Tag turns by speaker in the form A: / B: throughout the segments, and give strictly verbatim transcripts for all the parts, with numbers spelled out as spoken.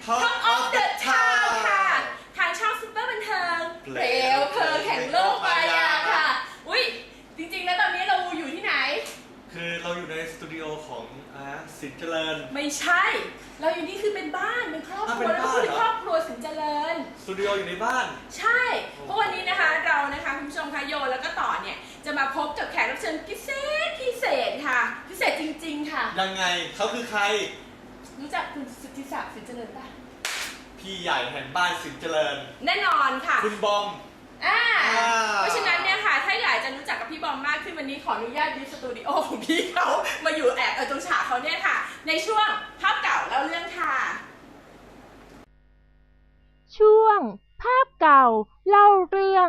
A: Talk of the Town ค่ะทางช่องซุปเปอร์บันเทิงเปลวเพลิงแห่งโลกมายาค่ะอุ้ยจริงๆแล้วตอนนี้เราอยู่ที่ไหน
B: คือเราอยู่ในสตูดิโอของอ่าสินเจริญ
A: ไม่ใช่เราอยู่นี่คือเป็นบ้านเป็นครอบครัวแล้วก็คือครอบครัวสินเจริญ
B: สตูดิโออยู่ในบ้าน
A: ใช่เพราะวันนี้นะคะเรานะคะคุณผู้ชมคะโยแล้วก็ต่อเนี่ยจะมาพบกับแขกรับเชิญพิเศษพิเศษค่ะพิเศษจริงๆค่ะ
B: ยังไงเขาคือใคร
A: รู้จักคุณสุทธิศักดิ์สินเจริญป่ะ
B: พี่ใหญ่แห่งบ้านสินเจริญ
A: แน่นอนค่ะ
B: คุณบอม
A: อ่าเพราะฉะนั้นเนี่ยค่ะถ้าอยากจะรู้จักกับพี่บอมมากขึ้นวันนี้ขออนุญาตยึดสตูดิโอของพี่เขามาอยู่แอบเอาตรงฉากเขาเนี่ยค่ะในช่วงภาพเก่าเล่าเรื่องค่ะ
C: ช่วงภาพเก่าเล่าเรื่อง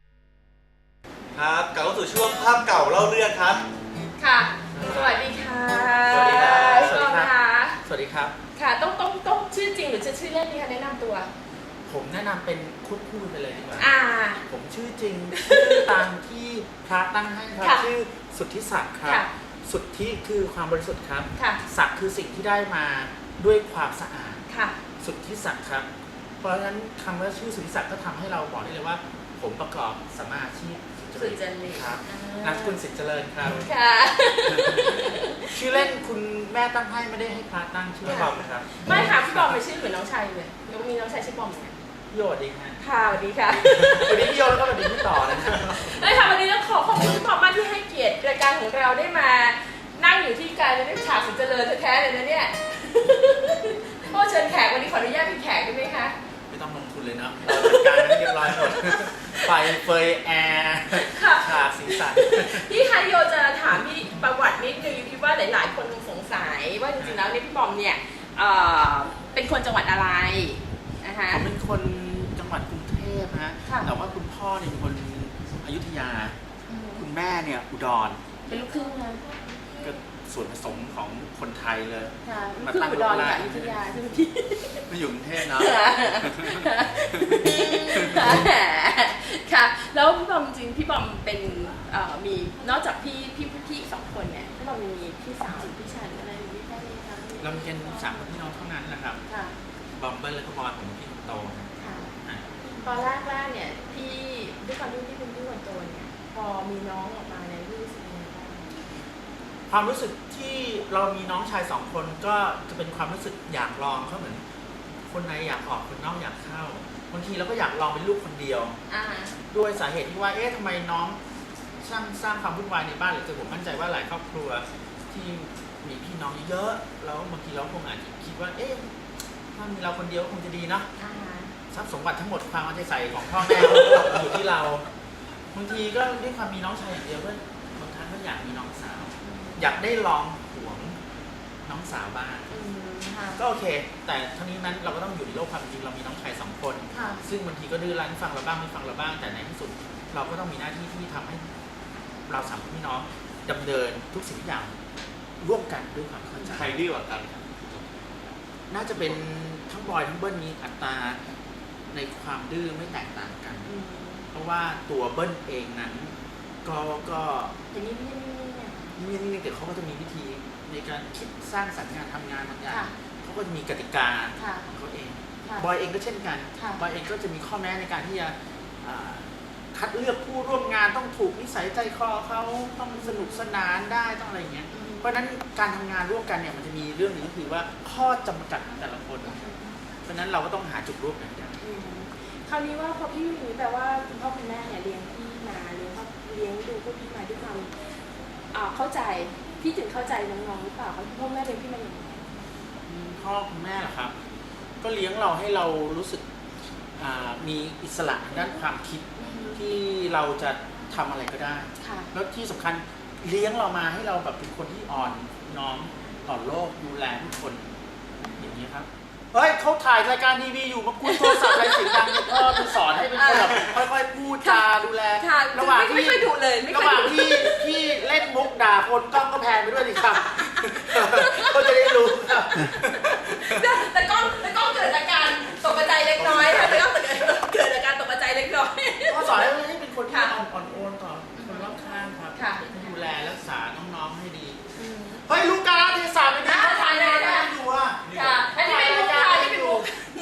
B: ครับกลับเข้าสู่ช่วงภาพเก่าเล่าเรื่องครับ
A: ค่ะสวัสดีค่ะ
B: สวัสดีครับ
A: พี่บอมค่ะ
B: สวัสดีครับ
A: ค่ะต้องต้องต้องชื่อจริงหรือจะชื่อเล่นดีคะแนะนำตัว
D: ผมแนะนำเป็นคุดพูดไปเลยดีกว่า
A: อ่า
D: ผมชื่อจริงชื่อตามที่พระตั้งให้ครับชื่อสุทธิศักดิ์ครับสุทธิคือความบริสุทธิ์ครับศักดิ์คือสิ่งที่ได้มาด้วยความสะอาดสุทธิศักดิ์ครับเพราะฉะนั้นคำว่าชื่อสุทธิศักดิ์ก็ทำให้เราบอกได้เลยว่าผมประกอบสัมมาอาชีพ
A: สุจริต
D: ครับนามสกุลสิทธิ์เจริญครับ
A: ค่ะ
D: ชื่อเล่นคุณแม่ตั้งให้ไม่ได้ให้พระตั้งชื่อ
A: บ
D: อมครับ
A: ไม่ค่ะพี่บอมเป็นชื่อเหมือนน้องชายเลยน้องมีน้องชายชื่อบอมไหม
D: พี่โยดีค่ะ
A: ค่ะสวัสดีค่ะ
D: วันนี้พี่โยแล้วก็สวัสดีพี่ต่อนะครับ
A: ได้ค่ะวันนี้ต้องขอขอบคุณพี่บอมมากที่ให้เกียรติรายการของเราได้มานั่งอยู่ที่การได้ฉากสินเจริญแท้ๆเลยนะเนี่ยพ่อเชิญแขกวันนี้ขออนุญาตเป็นแขกได้ไหมคะ
D: ไม่ต้องลงทุนเลยนะเราจัดการให้เรียบร้อยหมดไฟเฟยแอร์ฉากสีสัน
A: พี่คายโยจะถามพี่ประวัตินิดนึงคิดว่าหลายๆคนสงสัยว่าจริงๆแล้วเนี่ยพี่บอมเนี่ยเป็นคนจังหวัดอะไรนะคะ
D: ผมเป็นคนจังหวัดกรุงเทพฮะแต่ว่าคุณพ่อเนี่ยเป็นคนอยุธยาคุณแม่เนี่ยอุดร
A: เป็นลูกครึ่งนะ
D: ก็ส่วนผสมของคนไทยเลย
A: มาตั้งอุดรกับอยุธยาใช่ไหมพี่
D: มาอยู่กรุงเทพเนาะ
A: ค่ะแล้วพี่บอมจริงพี่บอมเป็นมีนอกจากพี่พี่พี่สองคนเนี่ยพี่บอมมีพี่สาวหรือพี่ชายอะไรหรือพี่แค่นี้คะ
D: เราเป็นสามคนพี่น้องเท่านั้นนะครับบอมเบิ้ลแล้วก็บอยผมพี่คนโต
A: ตอนแรกแรกเนี่ยพี่ด้วยความที่พี่เป็นพี่คนโตเนี่ยพอมีน้องออกมาเนี่ยพี่รู้สึกยังไงบ้าง
D: ความรู้สึกที่เรามีน้องชายสองคนก็จะเป็นความรู้สึกอยากลองเขาเหมือนคนในอยากออกคนนอกอยากเข้าบางทีเราก็อยากลองเป็นลูกคนเดียวด้วยสาเหตุที่ว่าเอ๊ะทำไมน้องสร้างสร้างความวุ่นวายในบ้านหรือจะผมมั่นใจว่าหลายครอบครัวที่มีพี่น้องเยอะแล้วบางทีเราคงอาจจะคิดว่าเอ๊ะถ้ามีเราคนเดียวคงจะดีเนาะทรัพย์สมบัติทั้งหมดความเอาใจใส่ของพ่อแม่อยู่ที่เราบางทีก็ด้วยความมีน้องชายอย่างเดียวก็บางครั้งก็อยากมีน้องสาวอยากได้ลองหวงน้องสาวบ้างก็โอเคแต่ทั้งนี้นั้นเราก็ต้องอยู่ในโลกความจริงเรามีน้องชายสองคนซึ่งบางทีก็ดื้อรั้นฟังเราบ้างไม่ฟังเราบ้างแต่ในที่สุดเราก็ต้องมีหน้าที่ที่ทำให้เราสามพี่น้องดำเนินทุกสิ่งทุกอย่างร่วมกันด้วยความเข้าใจ
B: ใครดื้อกว่ากัน
D: น่าจะเป็นทั้งบอยทั้งเบิ้ลมีอัตราในความดื้อไม่แตกต่างกันเพราะว่าตัวเบิ้ลเองนั้นก็ก็
A: อย่างนี้ไม่ไม่เนี่ย
D: นี่นี่แต่เขาก็จะมีวิธีในการคิดสร้างสรรค์งานทำงานบางอย่างเขาก็จะมีกติกาของเขาเองบอยเองก็เช่นกันบอยเองก็จะมีข้อแม้ในการที่จะคัดเลือกผู้ร่วมงานต้องถูกนิสัยใจคอเขาต้องสนุกสนานได้ต้องอะไรอย่างเงี้ยเพราะฉะนั้นการทำงานร่วมกันเนี่ยมันจะมีเรื่องหนึ่งก็คือว่าข้อจำกัดของแต่ละคนเพราะฉะนั้นเราก็ต้องหาจุดร่วมกัน
A: คราวนี้ว่าพอพี่อยู่นี้แปลว่าคุณพ่อคุณแม่เนี่ยเลี้ยงพี่มาเลี้ยงเขาเลี้ยงดูพวกพี่มาด้วยความเข้าใจพี่ถึงเข้าใจน้องๆหรือเปล่าเขาพ่อแม่เลี้ยงพี่มาอย่างไร
D: พ่อคุณแม่เหรอครับก็เลี้ยงเราให้เรารู้สึกมีอิสระด้านความคิดที่เราจะทำอะไรก็ได้แล้วที่สำคัญเลี้ยงเรามาให้เราแบบเป็นคนที่อ่อนน้อมต่อโลกดูแลทุกคนอย่างนี้ครับเฮ้ยเขาถ่ายรายการทีวีอยู่มาคุยโทรศัพท์อะไรเสียงดังพ่อจะสอนให้เป็นคนแบบค่อยๆพูดจาดูแล
A: ระหว่างที่
D: ระหว่างที่ที่เล่นมุกด่าคนกล้องก็แพนไปด้วยดิครับเขาจะได้รู้
A: แต่กล้องแต่กล้องเกิดอาการตกใจเล็กน้อยค่ะแต่กล้องเกิดอาการตกใจเล็กน้อย
D: เขาสอนให้เป็นคนที่อ่อนโอนต่อคนรอบข้างครับดูแลรักษาน้องๆให้ดีเฮ้ยลูกกาลเทศะไม่ได้
A: ถ่ายได้อยู่อ่ะค่ะอันนี้เป็นลูกค่ะที่เป็นลูก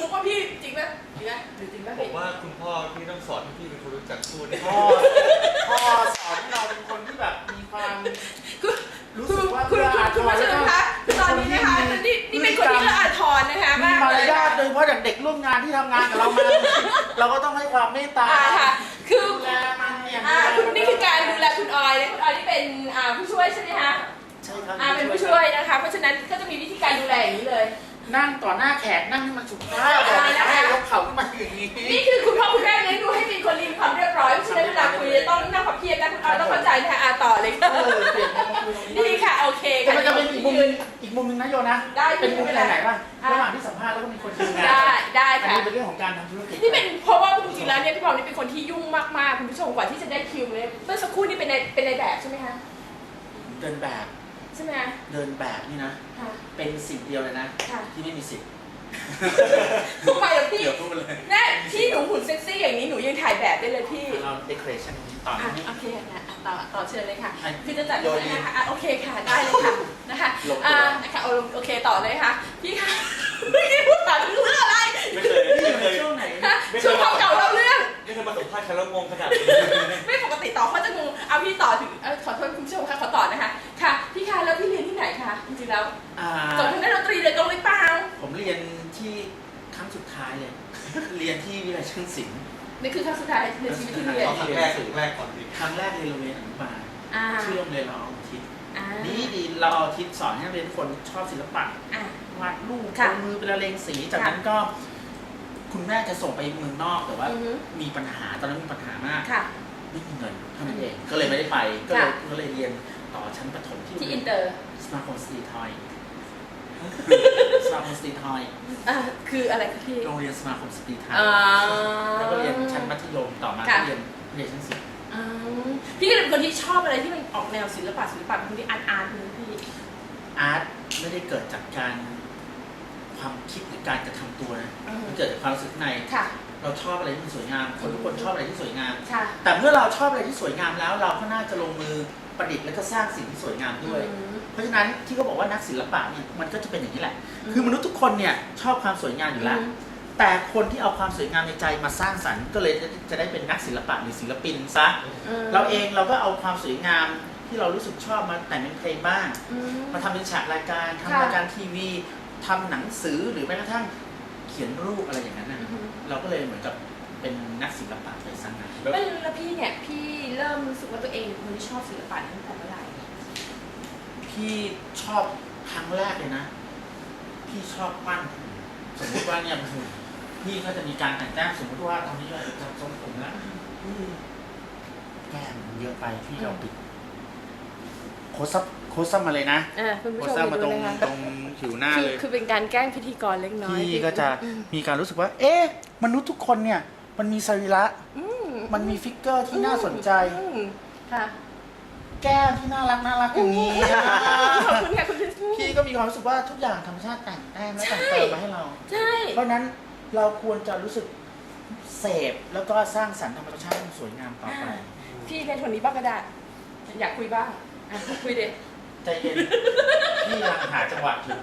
D: ฉพาะอย่างเด็กร่วมงานที่ทำงานกับเรามา เราก็ต้องให้ความเมตตา
A: อ่าค่ะคือ
D: ดูแลมันเนี่ย
A: อ่าคุณนี่คือการดูแลคุณออยนะคุณออยนี่เป็นอ่าผู้ช่วยใช่ไหมคะ
D: ใช่ครับ
A: อ่าเป็นผู้ช่วยนะคะเพราะฉะนั้นก็จะมีวิธีการดูแลอย่างนี้เลย
D: นั่งต่อหน้าแขกนั่งให้มันสุภาพ
A: อ่านะคะ
D: ให้ยกเข่าขึ้นมาอย่างนี้
A: นี่คือคุณพ่อคุณแม่เลี้ยงดูให้เป็นคนมีความเรียบร้อยเพราะฉะนั้นเวลาคุยจะต้องนั่งพับเพียบนะคุณออยต้องเข้าใจนะคะอ่าต่อเลยค่ะ
D: เออเปลี่ยนมุมคุยตรงนี้
A: ดีค่ะโอเค
D: แต่
A: ค่ะ
D: มันจะเป็นอีกมุมนึงอีกมุมนึงนะโยนะ
A: ได้
D: เป็นมุม
A: ไม่
D: ไห
A: เป็น นไร
D: ไหนบ้าง
A: อ่ะ
D: ระหว่างที่สัมภาษณ์แล้วก็มีคนดูงาน
A: ได้ได้
D: อัน
A: ค่ะ
D: นี้เป็นเรื่องของการทำธุรกิจ
A: นี่เป็นเพราะว่าจริงๆแล้วเนี่ยพี่พอนี่เป็นคนที่ยุ่งมากๆคุณผู้ชมกว่าที่จะได้คิวเนี่ยเมื่อสักครู่นี่เป็นในเป็นในแบบใช่ไหมคะ
D: เดินแบบ
A: ใช่ไหมคะ
D: เดินแบบนี่นะ
A: ค่ะ
D: เป็นสิ่งเดียวเลยนะ
A: ค่ะ
D: ที่ไม่มีสิทธิ์
A: ทำไมล่ะพี่
D: เดี๋ยวพูดเลย
A: แน่ที่หนูหุ่นเซ็กซี่อย่างนี้หนูยังถ่ายแบบได้เลยพี่
D: เราเดคอเรชั่นต่อ
A: อ่ะ
D: นี้
A: โอเคนะอ่ะต่อต่อเชิญเลยค่ะ
D: อ่ะ
A: คือจะจัด
D: โยน
A: ให้นะคะอ่ะโอเคค่ะได้เลยค่ะนะคะ
D: ลงตัว
A: อ่านะคะเอาโอเคต่อเลยค่ะพี่ค่ะไม่ได้พูดต่อถึงเรื่องอะไร
B: ไม่เคย
D: นี่
B: ไม่
D: อยู่
B: เค
D: ใน
B: ย
D: ช่วงไหน
A: ฮะช่วงเก่าๆเราเรื่อง
B: ไม่เคยมาสัมภาษณ์ใครแล้วงงขนาดนี้
A: ไม่ปกติต่อเขาจะงงเอาพี่ต่อถึงเอ่อขอโทษคุณผู้ชมค่ะขอต่อนะคะค่ะพี่คะแล้วพี่เรียนที่ไหนคะจริงๆแล้ว
D: อ่า
A: จบทางด้านดนตรีเลยตรงหรือเปล่า
D: ผมเรียนที่ครั้งสุดท้ายเลย เรียนที่วิทยาลัยช่างศิลป์
A: นี่คือครั้งสุดท้ายในชีวิตที่เรียน
B: เอาครั้งแรกครั้งแรกก่อนดิ
D: ครั้งแรกเรียนโรงเรียนอนุบาล
A: อ่า
D: ชื่อโรงเรียนเราเอาทิศ
A: อ่า
D: ดีดีเราเอาทิศสอนให้นักเรียนทุกคนชอบศิลปะ
A: อ่าว
D: าดรูป
A: ค่ะ
D: ลงมือเป็นละเลงสีจากนั้นก็ คุณแม่จะส่งไปเมืองนอกแต่ว่า
A: อือฮึ
D: มีปัญหาตอนนั้นมีปัญหา มาก
A: ค่ะ
D: ไม่มีเงินเท่านั้นเองก็เลยไม่ได้ไปก็เลย
A: ค่ะ
D: ก็เลยเรียนต่อชั้นประถมที่
A: ที่อินเตอร์
D: สมาคมสตรีทอยสมาคมสตรีทอย
A: อ่าคืออะไรคะพี่
D: โรงเรียนสมาคมสตรีทอย
A: อ่า
D: แล้วก็เรียนชั้นมัธยมต่อมา
A: ค่ะ
D: ก็เรียนเรียนชั้นสิบ
A: อ่าพี่ก็เลยเป็นคนที่ชอบอะไรที่มันออกแนวศิลปะศิลปะเป็นคนที่อาร์ตอาร์ตนึงพี่
D: อาร์ตไม่ได้เกิดจากการความคิดหรือการกระทำตัวนะ
A: อือฮึ
D: มันเกิดจากความรู้สึกใน
A: ค่ะ
D: เราชอบอะไรที่มันสวยงาม คนทุกคนชอบอะไรที่สวยงาม
A: ค่ะ
D: แต่เมื่อเราชอบอะไรที่สวยงามแล้ว เราก็น่าจะลงมือประดิษฐ์และก็สร้างสิ่งที่สวยงามด้วย
A: อืม
D: เพราะฉะนั้นที่เขาบอกว่านักศิลปะเนี่ยมันก็จะเป็นอย่างนี้แหละ
A: อืม
D: คือมนุษย์ทุกคนเนี่ยชอบความสวยงามอยู่แล้ว
A: อืม
D: แต่คนที่เอาความสวยงามในใจมาสร้างสรรค์ก็เลยจะได้เป็นนักศิลปะหรือศิลปินซะ
A: อืม
D: เราเองเราก็เอาความสวยงามที่เรารู้สึกชอบมาแต่งเป็นเพลงบ้าง
A: อืม
D: มาทำเป็นฉากรายการทำ
A: ค่ะ
D: รายการทีวีทำหนังสือหรือแม้กระทั่งเขียนรูปอะไรอย่างนั้นนะ
A: อือฮึ
D: เราก็เลยเหมือนกับเป็นนักศิลปะไปสร้างงาน
A: แล้วแล้วพี่เนี่ยพี่เริ่มรู้สึกว่าตัวเองเป็นคนที่ชอบศิลปะตั้งแต่เมื่อไหร่
D: พี่ชอบครั้งแรกเลยนะ พี่ชอบปั้นหุ่นสมมติว่าเนี่ยพี่ก็จะมีการแต่งแต้มสมมติว่าตอนนี้เราจะทรงผมนะแก้มเยอะไปพี่เอาปิดโคซับโคซับมาเลยนะ
A: อ่าคุณผู้
D: โค
A: ชม
D: ซับมาตรง
A: ดูนะคะ
D: ตรงผิวหน้า
A: คือ
D: เลย
A: คือเป็นการแกล้งพิธีกรเล็กน้อย
D: พี่ก็จะ
A: อืม
D: มีการรู้สึกว่า เอ๊ะ มนุษย์ทุกคนเนี่ย มันมีสรีระ
A: อืม
D: มันมีฟิกเกอร์ที่น่าสนใจ
A: อืมค่ะ
D: แก้มที่น่ารักน่ารักอย่างนี้
A: ขอบคุณค่ะคุณพี่
D: พี่ก็มีความรู้สึกว่าทุกอย่างธรรมชาติแต่งแต้มและแต่งเติมมาให้เรา
A: ใช่
D: เพราะฉะนั้นเราควรจะรู้สึกเสพแล้วก็สร้างสรรค์ธรรมชาติให้มันสวยงามต่อไป
A: พี่ในคนนี้บ้างก็ได้ อยากคุยบ้างอ่ะคุยเด็
D: ใจเย็น พี่กำลังหาจังหวะอยู่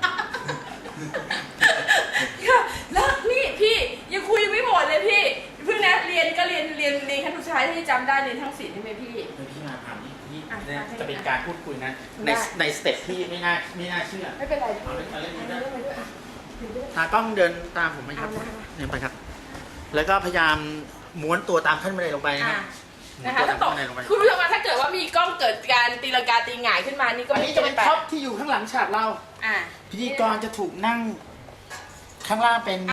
A: ค่ะแล้วนี่พี่ยังคุยไม่หมดเลยพี่เพิ่งนะเรียนก็เรียนเรียนเรียนขั้นสุดท้ายที่จำได้เรียนทั้งศิลป์ใช่ไหมพี่
D: เดี๋ยวพี่มาถามนี่พี่
A: อ่ะ
D: เนี่ย
A: ได้
D: จะเป็นการพูดคุยนะ ใน
A: ได้
D: ในสเต็ปที่ไม่น่าไม่น่าเชื่อ
A: ไม่เป็นไร
D: เอาเล่นเอาเล่น
A: เอา
D: เอาเล่น
A: เรื่องไปด้วยอ่ะเดี๋ยวด้วย
D: ตากล้องเดินตามผมไหมครับ
A: เอานะคะ
D: เดินไปครับ แล้วก็พยายามม้วนตัวตามขั้นบันไดลงไปนะค
A: อ่ะ
D: รับม้วน
A: นะคะ
D: ตัว
A: ถ้า
D: ตาม
A: ตก
D: ขั้นบันไดลงไป
A: คุณผู้ชมคะถ้าเกิดว่ามีกล้องเกิดการตีลังกาตีหงายขึ้นมานี่ก็
D: อัน
A: ไม่
D: นี้จะเป็นท็อปที่อยู่ข้างหลังฉากเรา
A: อ่ะ
D: พิธีกรจะถูกนั่งข้างล่างเป็น